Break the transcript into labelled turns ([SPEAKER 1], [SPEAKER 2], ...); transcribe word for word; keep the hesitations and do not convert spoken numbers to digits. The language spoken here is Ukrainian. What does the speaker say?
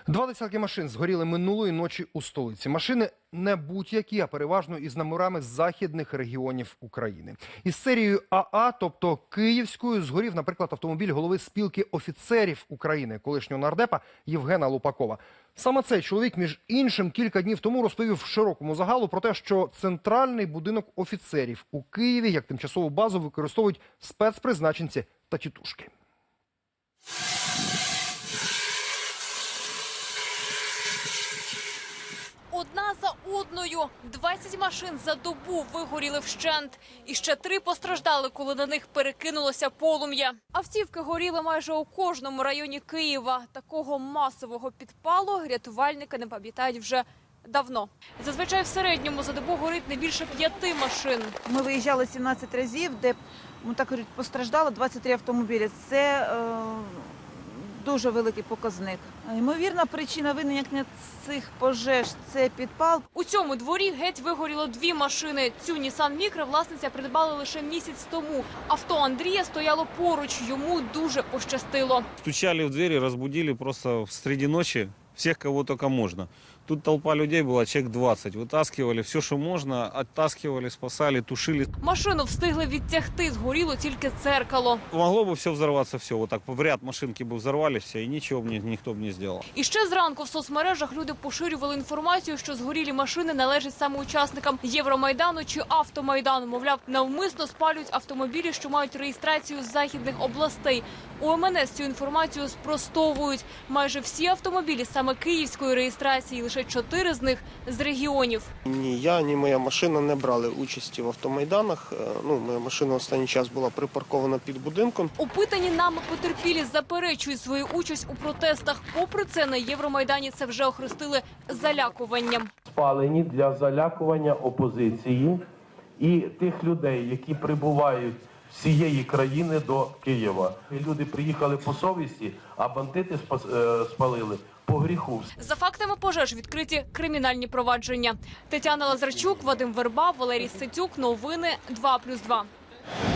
[SPEAKER 1] Два десятки машин згоріли минулої ночі у столиці. Машини не будь-які, а переважно із номерами з західних регіонів України. Із серією АА, тобто київською, згорів, наприклад, автомобіль голови спілки офіцерів України, колишнього нардепа Євгена Лупакова. Саме цей чоловік, між іншим, кілька днів тому розповів широкому загалу про те, що центральний будинок офіцерів у Києві як тимчасову базу використовують спецпризначенці та тітушки.
[SPEAKER 2] Одна за одною. двадцять машин за добу вигоріли вщент. І ще три постраждали, коли на них перекинулося полум'я. Автівки горіли майже у кожному районі Києва. Такого масового підпалу рятувальники не пам'ятають вже давно. Зазвичай в середньому за добу горить не більше п'яти машин.
[SPEAKER 3] Ми виїжджали сімнадцять разів, де, ну, так кажуть, постраждало двадцять три автомобілі. Це е, дуже великий показник. Ймовірна причина виникнення цих пожеж – це підпал.
[SPEAKER 2] У цьому дворі геть вигоріло дві машини. Цю Нісан Мікро власниця придбала лише місяць тому. Авто Андрія стояло поруч, йому дуже пощастило.
[SPEAKER 4] Стучали в двери, разбудили просто среди ночи всех, кого только можно. Тут толпа людей была, человек двадцать. Вытаскивали все, что можно, оттаскивали, спасали, тушили.
[SPEAKER 2] Машину встигли відтягти, згоріло тільки дзеркало.
[SPEAKER 4] Могло бы все взорваться, все. Вот так в ряд машинки бы взорвались все, и ничего бы никто бы не сделал.
[SPEAKER 2] І ще зранку в соцмережах люди поширювали інформацію, що згорілі машини належать саме учасникам Євромайдану чи Автомайдану. Мовляв, навмисно спалюють автомобілі, що мають реєстрацію з західних областей. У ем ен ес цю інформацію спростовують. Майже всі автомобілі саме київської реєстрації, лише чотири з них з регіонів.
[SPEAKER 5] Ні я, ні моя машина не брали участі в автомайданах. Ну, моя машина останній час була припаркована під будинком.
[SPEAKER 2] Опитані нами потерпілі заперечують свою участь у протестах. Попри це, на Євромайдані це вже охрестили залякуванням.
[SPEAKER 6] Спалені для залякування опозиції і тих людей, які прибувають з всієї країни до Києва. Люди приїхали по совісті, а бандити спалили по гріху.
[SPEAKER 2] За фактами пожеж відкриті кримінальні провадження. Тетяна Лазарчук, Вадим Верба, Валерій Ситюк. Новини два плюс два.